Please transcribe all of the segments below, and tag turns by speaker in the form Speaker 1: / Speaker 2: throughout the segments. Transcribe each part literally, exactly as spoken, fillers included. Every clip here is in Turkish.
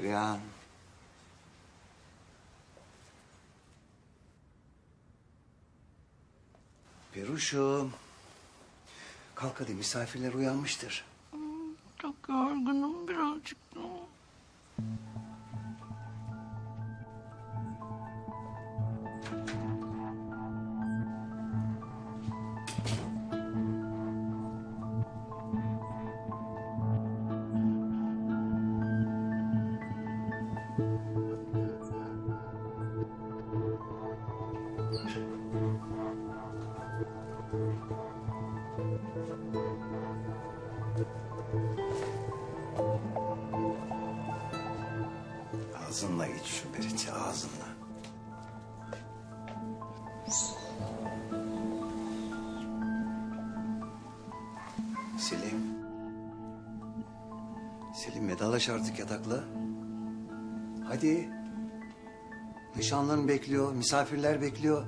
Speaker 1: Perihan. Peruşum. Kalk hadi, misafirler uyanmıştır.
Speaker 2: Çok yorgunum birazcık.
Speaker 1: Ağzınla iç şu Berit'i, ağzınla. Selim. Selim, vedalaş artık yatakla. Hadi. Nişanlın bekliyor, misafirler bekliyor.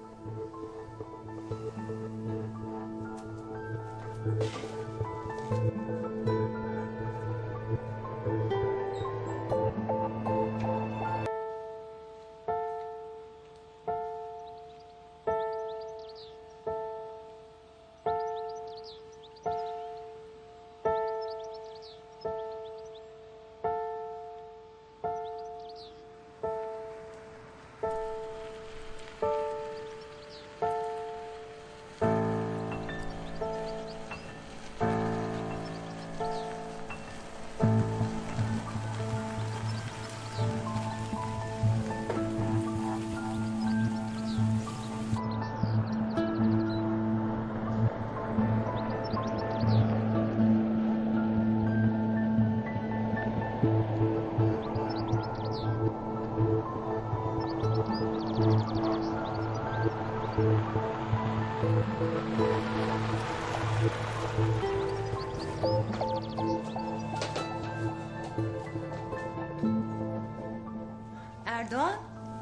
Speaker 3: Erdoğan.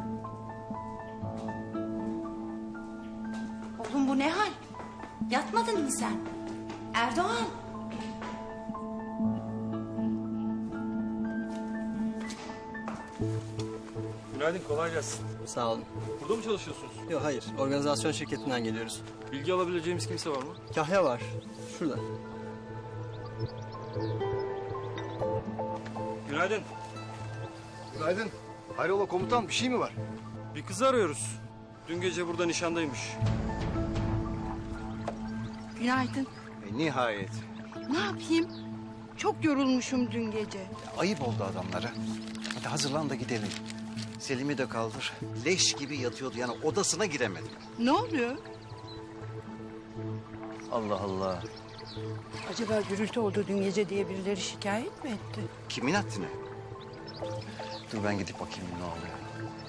Speaker 3: Oğlum bu ne hal? Yatmadın mı sen? Erdoğan.
Speaker 4: Günaydın, kolay gelsin.
Speaker 5: Sağ olun.
Speaker 4: Burada mı çalışıyorsunuz?
Speaker 5: Yok hayır, organizasyon şirketinden geliyoruz.
Speaker 4: Bilgi alabileceğimiz kimse var mı?
Speaker 5: Kahya var, şurada.
Speaker 4: Günaydın.
Speaker 6: Günaydın. Hayrola komutan, bir şey mi var?
Speaker 4: Bir kızı arıyoruz. Dün gece burada nişandaymış.
Speaker 2: Günaydın.
Speaker 1: E, nihayet.
Speaker 2: Ne yapayım? Çok yorulmuşum dün gece.
Speaker 1: Ayıp oldu adamlara. Hadi hazırlan da gidelim. Selim'i de kaldır. Leş gibi yatıyordu, yani odasına giremedim.
Speaker 2: Ne oluyor?
Speaker 1: Allah Allah.
Speaker 2: Acaba gürültü oldu dün gece diye birileri şikayet mi etti?
Speaker 1: Kimin haddine? Dur ben gidip bakayım ne oluyor.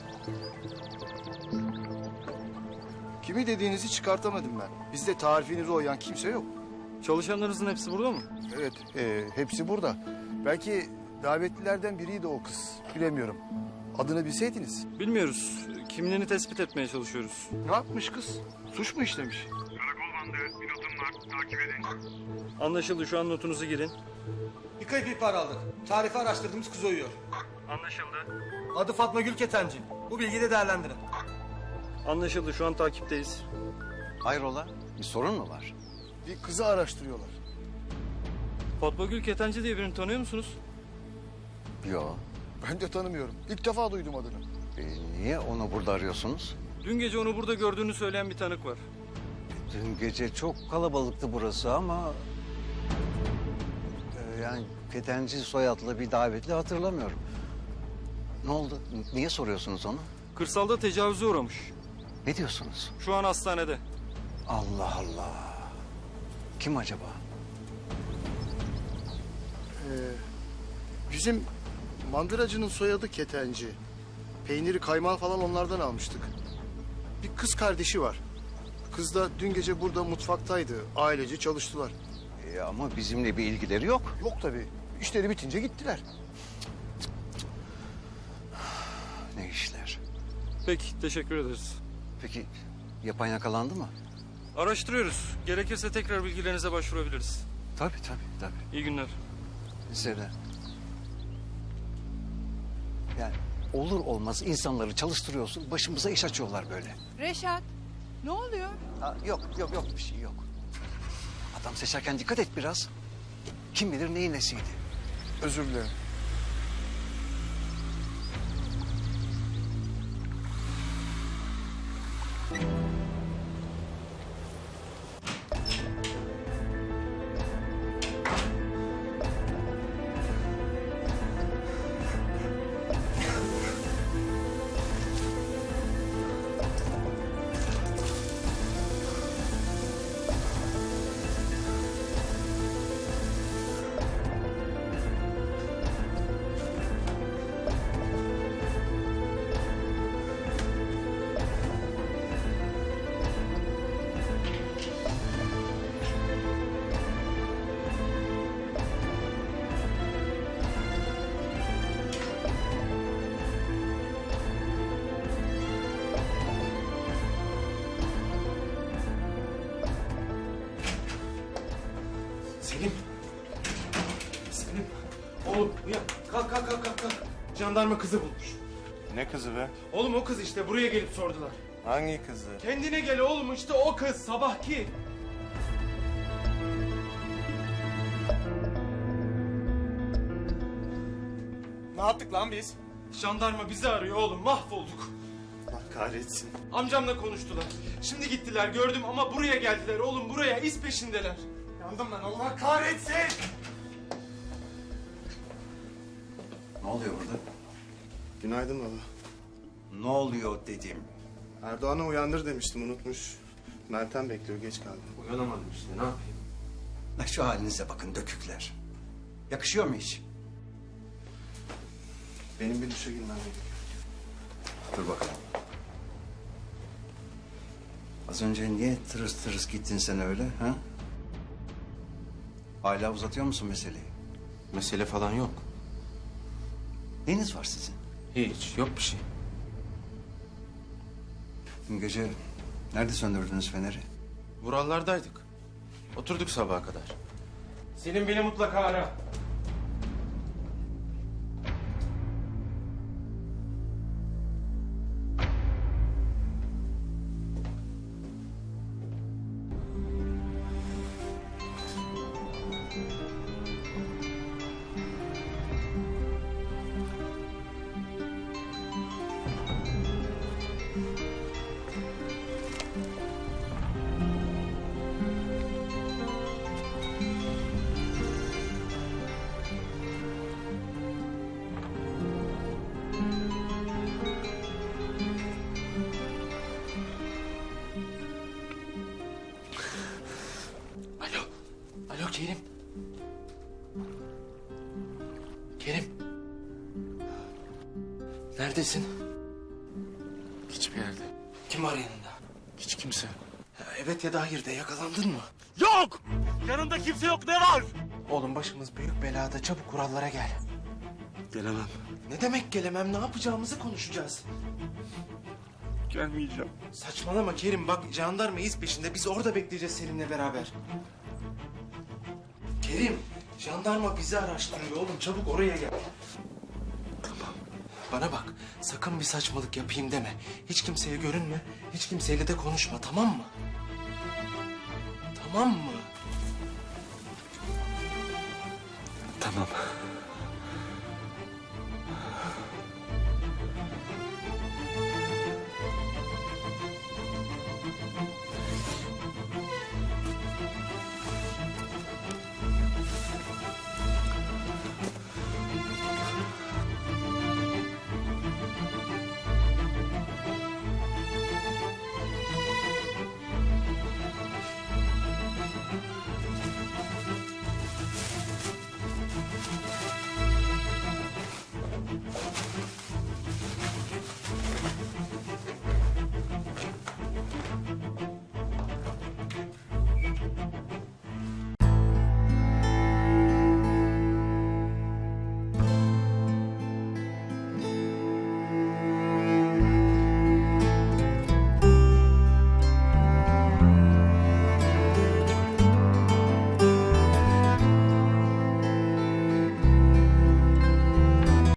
Speaker 6: Kimi dediğinizi çıkartamadım ben. Bizde tarifinize uyan kimse yok.
Speaker 4: Çalışanlarınızın hepsi burada mı?
Speaker 6: Evet, e, hepsi burada. Belki davetlilerden biriydi o kız. Bilemiyorum. Adını bilseydiniz.
Speaker 4: Bilmiyoruz. Kimliğini tespit etmeye çalışıyoruz.
Speaker 6: Ne yapmış kız? Suç mu işlemiş?
Speaker 7: Karakol bandı, bir notum var, takip edin.
Speaker 4: Anlaşıldı, şu an notunuzu girin.
Speaker 8: Bir kayıp ihbar aldık. Tarifi araştırdığımız kız uyuyor.
Speaker 4: Anlaşıldı.
Speaker 8: Adı Fatma Gül Ketenci. Bu bilgiyi de değerlendirin.
Speaker 4: Anlaşıldı, şu an takipteyiz.
Speaker 1: Hayrola? Bir sorun mu var?
Speaker 6: Bir kızı araştırıyorlar.
Speaker 4: Fatma Gül Ketenci diye birini tanıyor musunuz?
Speaker 1: Yok.
Speaker 6: Ben de tanımıyorum. İlk defa duydum adını.
Speaker 1: E, niye onu burada arıyorsunuz?
Speaker 4: Dün gece onu burada gördüğünü söyleyen bir tanık var.
Speaker 1: Dün gece çok kalabalıktı burası ama... e, yani Ketenci soyadlı bir davetli hatırlamıyorum. Ne oldu? Niye soruyorsunuz onu?
Speaker 4: Kırsalda tecavüze uğramış.
Speaker 1: Ne diyorsunuz?
Speaker 4: Şu an hastanede.
Speaker 1: Allah Allah. Kim acaba?
Speaker 6: Ee, bizim mandıracının soyadı Ketenci. Peyniri, kaymağı falan onlardan almıştık. Bir kız kardeşi var. Kız da dün gece burada mutfaktaydı. Ailece çalıştılar.
Speaker 1: E, ama bizimle bir ilgileri yok.
Speaker 6: Yok tabii. İşleri bitince gittiler.
Speaker 1: Ne işler?
Speaker 4: Peki, teşekkür ederiz.
Speaker 1: Peki yapan yakalandı mı?
Speaker 4: Araştırıyoruz. Gerekirse tekrar bilgilerinize başvurabiliriz.
Speaker 1: Tabii tabii tabii.
Speaker 4: İyi günler.
Speaker 1: Size de. olur olmaz insanları çalıştırıyorsun. Başımıza iş açıyorlar böyle.
Speaker 2: Reşat, ne oluyor?
Speaker 1: Ha, yok yok yok bir şey yok. Adam seçerken dikkat et biraz. Kim bilir neyin nesiydi.
Speaker 6: Özür dilerim.
Speaker 9: Selim. Selim. Oğlum uyan. Kalk kalk kalk kalk. kalk. Jandarma kızı bulmuş.
Speaker 10: Ne kızı be?
Speaker 9: Oğlum o kız işte buraya gelip sordular.
Speaker 10: Hangi kızı?
Speaker 9: Kendine gel oğlum işte o kız sabahki.
Speaker 10: Ne yaptık lan biz?
Speaker 9: Jandarma bizi arıyor oğlum mahvolduk.
Speaker 10: Allah kahretsin.
Speaker 9: Amcamla konuştular. Şimdi gittiler gördüm ama buraya geldiler oğlum buraya iz peşindeler.
Speaker 10: Yandım lan Allah kahretsin.
Speaker 1: Ne oluyor burada?
Speaker 10: Günaydın baba.
Speaker 1: Ne oluyor dedim.
Speaker 10: Erdoğan'ı uyandır demiştim unutmuş. Meltem bekliyor geç kaldım.
Speaker 9: Uyanamadım işte ne yapayım.
Speaker 1: Ha, şu halinize bakın dökükler. Yakışıyor mu hiç?
Speaker 10: Benim bir duşa girmem gerekiyor.
Speaker 1: Dur bakalım. Az önce niye tırıs tırıs gittin sen öyle ha? Hala uzatıyor musun meseleyi?
Speaker 9: Mesele falan yok.
Speaker 1: Neyiniz var sizin?
Speaker 9: Hiç yok bir şey.
Speaker 1: Dün gece nerede söndürdünüz feneri?
Speaker 9: Vurallardaydık. Oturduk sabaha kadar. Selim beni mutlaka ara. Alo. Alo Kerim. Kerim. Neredesin?
Speaker 10: Hiçbir yerde.
Speaker 9: Kim var yanında?
Speaker 10: Hiç kimse.
Speaker 9: Ya evet ya da hayır de yakalandın mı?
Speaker 8: Yok! Yanında kimse yok ne var?
Speaker 9: Oğlum başımız büyük belada çabuk kurallara gel.
Speaker 10: Gelemem.
Speaker 9: Ne demek gelemem ne yapacağımızı konuşacağız.
Speaker 10: Gelmeyeceğim.
Speaker 9: Saçmalama Kerim bak jandarma iz peşinde biz orada bekleyeceğiz seninle beraber. Kerim jandarma bizi araştırıyor oğlum çabuk oraya gel. Tamam. Bana bak sakın bir saçmalık yapayım deme. Hiç kimseye görünme hiç kimseyle de konuşma tamam mı? Tamam mı?
Speaker 10: Tamam.